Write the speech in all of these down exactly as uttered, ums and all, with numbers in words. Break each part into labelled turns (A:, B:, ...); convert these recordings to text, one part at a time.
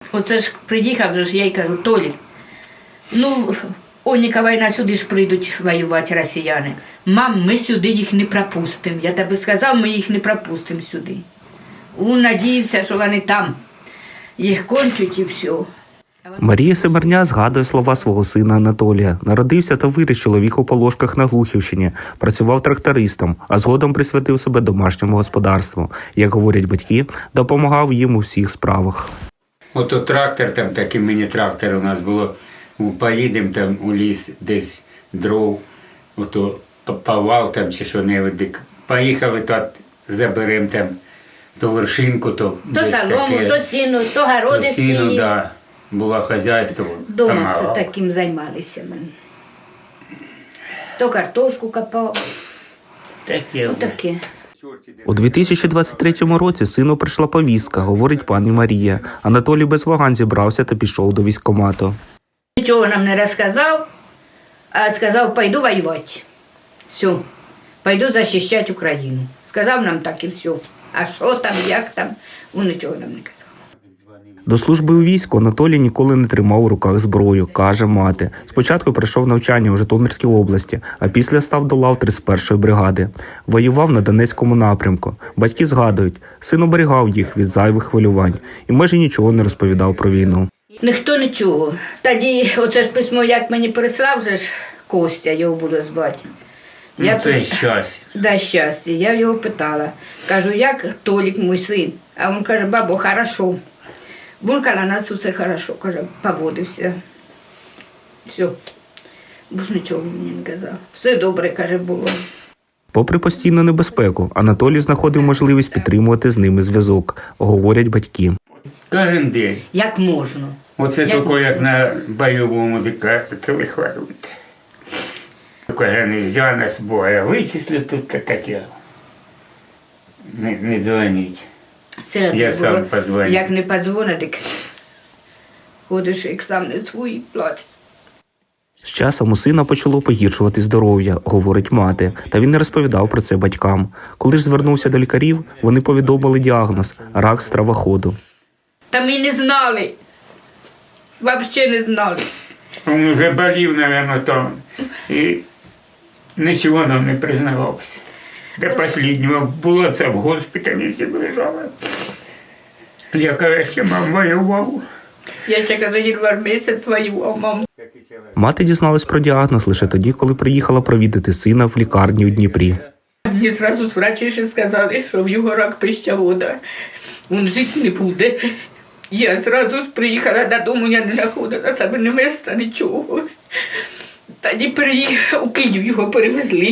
A: Оце ж приїхав, же ж я й кажу, Толік, ну, Оніка війна, сюди ж прийдуть воювати росіяни. Мам, ми сюди їх не пропустимо. Я тобі сказав, ми їх не пропустимо сюди. Він надіявся, що вони там їх кончуть і все.
B: Марія Семерня згадує слова свого сина Анатолія. Народився та виріс чоловік у Полошках на Глухівщині, працював трактористом, а згодом присвятив себе домашньому господарству. Як говорять батьки, допомагав їм у всіх справах.
C: Ото трактор, там такий міні-трактор у нас було, поїдемо там у ліс, десь дров, ото повал там чи що-небудь, поїхали, то заберемо там то вершинку, то
A: То солому, таке, то сіну, то городи
C: то сіну,
A: всі.
C: да. Було хазяйство.
A: Дома це таким займалися ми. То картошку копав.
C: Таке.
A: Отаке.
B: У дві тисячі двадцять третьому році сину прийшла повістка, говорить пані Марія. Анатолій без вагань зібрався та пішов до військкомату.
A: Нічого нам не розказав, а сказав, пойду воювати. Все, пойду захищати Україну. Сказав нам так і все. А що там, як там, він нічого нам не казав.
B: До служби у війську Анатолій ніколи не тримав у руках зброю, каже мати. Спочатку пройшов навчання у Житомирській області, а після став до лав тридцять першої бригади. Воював на Донецькому напрямку. Батьки згадують, син оберігав їх від зайвих хвилювань і майже нічого не розповідав про війну.
A: Ніхто нічого. Тоді оце ж письмо, як мені прислав, вже ж Костя, його буду звати.
C: Ну,
A: Я
C: це
A: пит-
C: щастя.
A: Да, щастя. Я його питала. Кажу, як Толік, мій син? А він каже, бабо, хорошо. Він каже, на нас усе хорошо, каже, поводився. Все. Бо ж нічого мені не казав. Все добре, каже, було.
B: Попри постійну небезпеку, Анатолій знаходив можливість підтримувати з ними зв'язок, говорять батьки.
C: Кожен день.
A: Як можна.
C: Оце
A: Як
C: тільки
A: можна?
C: як на бойовому телехвалюють. Тільки не взяв нас боя, вичислю тут таке. Не, не дзвоніть.
A: Серед
C: Я
A: було,
C: сам позвоню.
A: Як не подзвонить, так ходиш, як сам не свій, платить.
B: З часом у сина почало погіршувати здоров'я, говорить мати, та він не розповідав про це батькам. Коли ж звернувся до лікарів, вони повідомили діагноз – рак стравоходу.
A: Та ми не знали. Взагалі не знали.
C: Він вже болів, мабуть, там. І нічого нам не признавався. До останнього було це в госпіталі лежало. Я, кажу, ще мам воював.
A: Я ще кажу, январ місяць воював, мам.
B: Мати дізналась про діагноз лише тоді, коли приїхала провідати сина в лікарні у Дніпрі.
A: Мені одразу врачі ще сказали, що в його рак пищевода. Він жити не буде. Я одразу ж приїхала додому, я не знаходила себе ні міста, нічого. Тоді приїхав, у Київ його перевезли.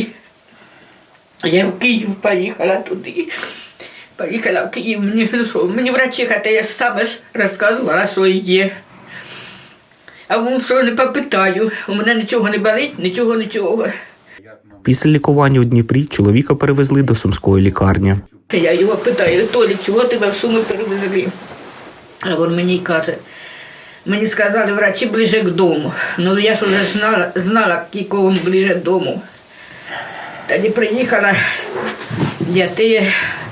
A: Я в Київ поїхала туди. Поїхала в Київ, мені, ну що, мені врачиха, та я ж саме ж розказувала, що є. А він що не попитаю, у мене нічого не болить, нічого, нічого.
B: Після лікування у Дніпрі чоловіка перевезли до Сумської лікарні.
A: Я його питаю, Толік, чого тебе в Суми перевезли? А він мені каже, мені сказали врачі ближе к дому. Ну я ж вже знала, знала, якого він ближе к дому. Тоді приїхала, я ти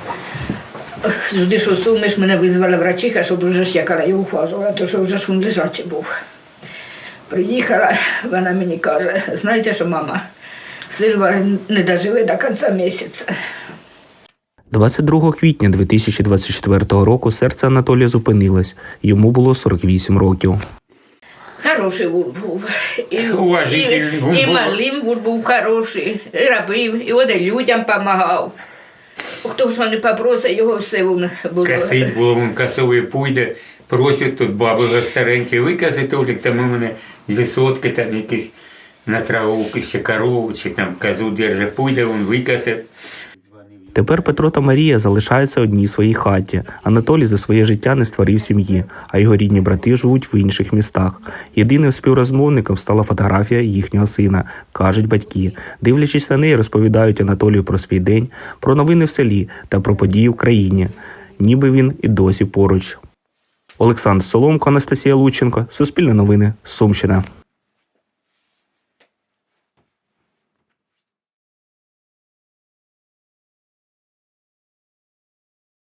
A: сюди, що Суми ж мене визвала врачиха, щоб вже ж я його ухажувала, тому що вже ж він лежачий був. Приїхала, вона мені каже, знаєте що, мама, Сильва не доживе до кінця місяця.
B: двадцять другого квітня дві тисячі двадцять четвертого року серце Анатолія зупинилось. Йому було сорок вісім років.
A: Хороший він був. І,
C: Уважительний
A: і,
C: він
A: і
C: був.
A: малим він був хороший, і робив, і от і людям допомагав. Хто що не попросить, його все він було.
C: Косить було, він косовий пуйде, просять тут баби старенькі, викаси, Толік, там у мене дві сотки, там якісь на траву, ще корову, чи там козу держить, пуйде, він викасить.
B: Тепер Петро та Марія залишаються одні в своїй хаті. Анатолій за своє життя не створив сім'ї, а його рідні брати живуть в інших містах. Єдиним співрозмовником стала фотографія їхнього сина, кажуть батьки. Дивлячись на неї, розповідають Анатолію про свій день, про новини в селі та про події в країні. Ніби він і досі поруч. Олександр Соломко, Анастасія Лученко, Суспільне новини, Сумщина.